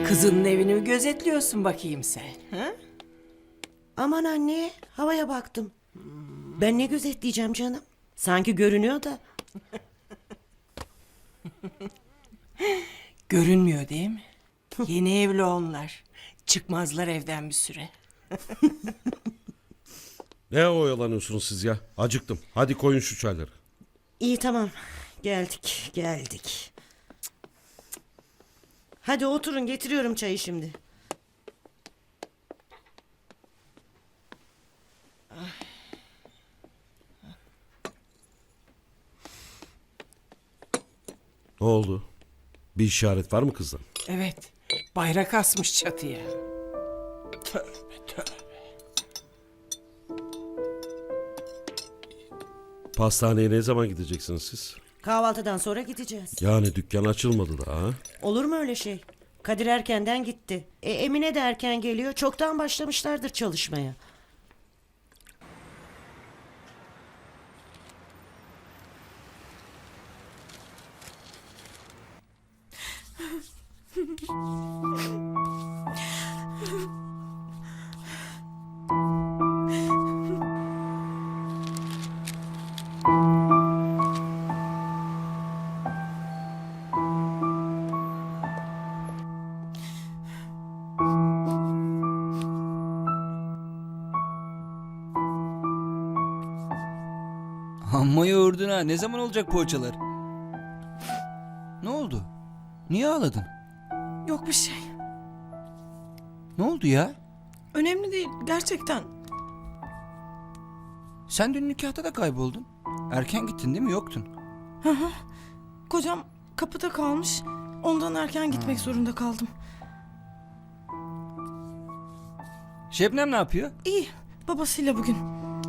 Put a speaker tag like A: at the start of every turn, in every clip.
A: Kızının evini mi gözetliyorsun bakayım sen? Ha?
B: Aman anne, havaya baktım. Ben ne gözetleyeceğim canım? Sanki görünüyor da.
A: Görünmüyor değil mi? Yeni evli onlar. Çıkmazlar evden bir süre.
C: Ne oyalanıyorsunuz siz ya? Acıktım. Hadi koyun şu çayları.
B: İyi tamam. Geldik. Hadi oturun, getiriyorum çayı şimdi.
C: Ne oldu? Bir işaret var mı kızdan?
A: Evet. Bayrak asmış çatıya. Tövbe tövbe.
C: Pastaneye ne zaman gideceksiniz siz?
B: Kahvaltıdan sonra gideceğiz.
C: Yani dükkan açılmadı daha. Ha?
B: Olur mu öyle şey? Kadir erkenden gitti. Emine de erken geliyor. Çoktan başlamışlardır çalışmaya.
D: Amma yoğurdun ha. Ne zaman olacak poğaçalar? Ne oldu? Niye ağladın?
E: Yok bir şey.
D: Ne oldu ya?
E: Önemli değil gerçekten.
D: Sen dün nikahta da kayboldun. Erken gittin değil mi? Yoktun.
E: Kocam kapıda kalmış. Ondan erken gitmek zorunda kaldım.
D: Şebnem ne yapıyor?
E: İyi. Babasıyla bugün.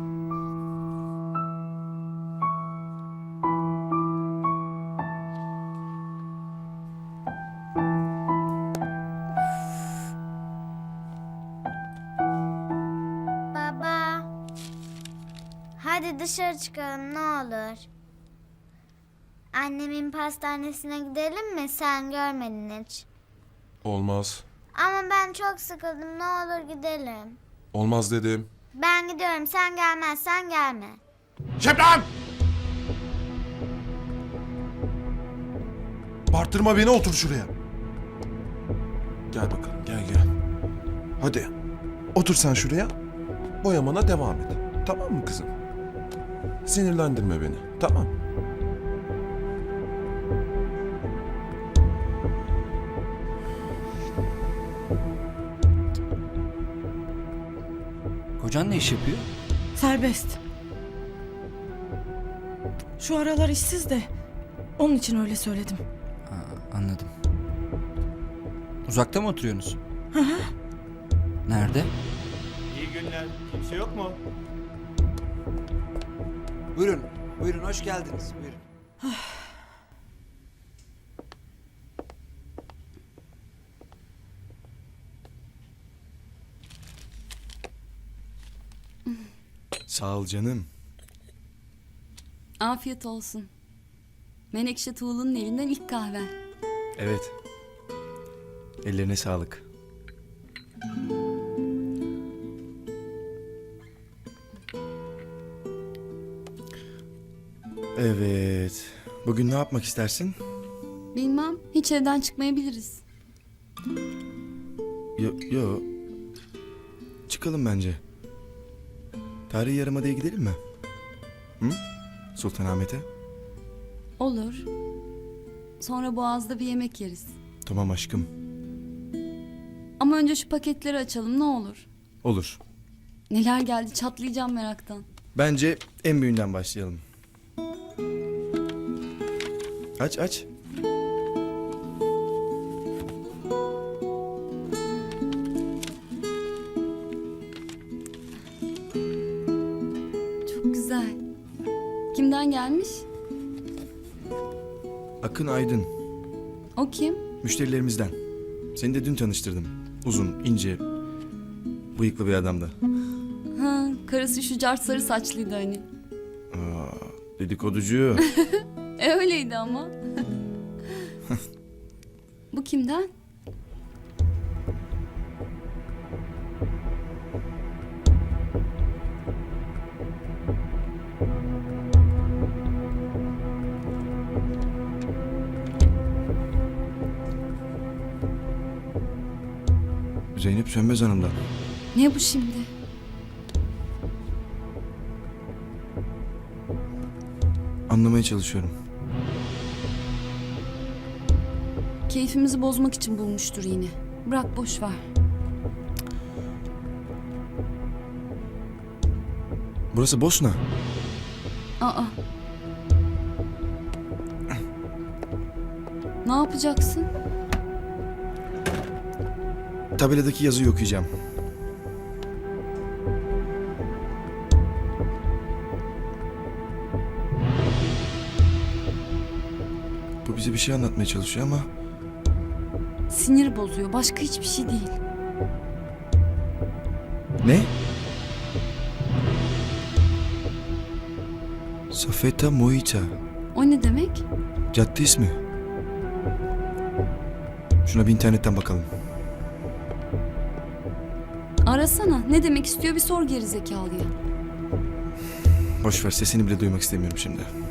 F: Baba. Hadi dışarı çıkalım ne olur. Annemin pastanesine gidelim mi? Sen görmedin hiç.
G: Olmaz.
F: Ama ben çok sıkıldım. Ne olur gidelim.
G: Olmaz dedim.
F: Ben gidiyorum. Sen gelmezsen gelme.
G: Şebnem! Bağırtırma beni, otur şuraya. Gel bakalım, gel. Hadi. Otur sen şuraya. Boyamana devam et. Tamam mı kızım? Sinirlendirme beni. Tamam.
D: Kocan ne iş yapıyor?
E: Serbest. Şu aralar işsiz de. Onun için öyle söyledim.
D: Anladım. Uzakta mı oturuyorsunuz? Nerede?
H: İyi günler. Kimse yok mu?
D: Buyurun hoş geldiniz. Buyurun.
G: Sağ ol canım.
I: Afiyet olsun. Menekşe Tuğlu'nun elinden ilk kahven.
H: Evet. Ellerine sağlık. Evet. Bugün ne yapmak istersin?
I: Bilmem, hiç evden çıkmayabiliriz.
H: Yo. Çıkalım bence. Tarihi Yarımada'ya gidelim mi? Hı? Sultanahmet'e?
I: Olur. Sonra Boğaz'da bir yemek yeriz.
H: Tamam aşkım.
I: Ama önce şu paketleri açalım ne olur.
H: Olur.
I: Neler geldi çatlayacağım meraktan.
H: Bence en büyüğünden başlayalım. Aç.
I: Çok güzel. Kimden gelmiş?
H: Akın Aydın.
I: O kim?
H: Müşterilerimizden. Seni de dün tanıştırdım. Uzun, ince, bıyıklı bir adamdı.
I: Ha, karısı şu cart sarı saçlıydı hani.
H: Dedikoducu.
I: Öyleydi ama. Bu kimden?
H: Zeynep Sönmez Hanım'dan.
I: Ne bu şimdi?
H: Anlamaya çalışıyorum.
I: Keyfimizi bozmak için bulmuştur yine. Bırak boş ver.
H: Burası Bosna.
I: Aa. Ne yapacaksın?
H: Tabeladaki yazıyı okuyacağım. Bu bize bir şey anlatmaya çalışıyor ama
I: Sinir bozuyor. Başka hiçbir şey değil.
H: ne? Safeta Moita.
I: O ne demek?
H: Cadde ismi. Şuna bir internetten bakalım.
I: Arasana. Ne demek istiyor bir sor gerizekalıya.
H: Boş ver, sesini bile duymak istemiyorum şimdi.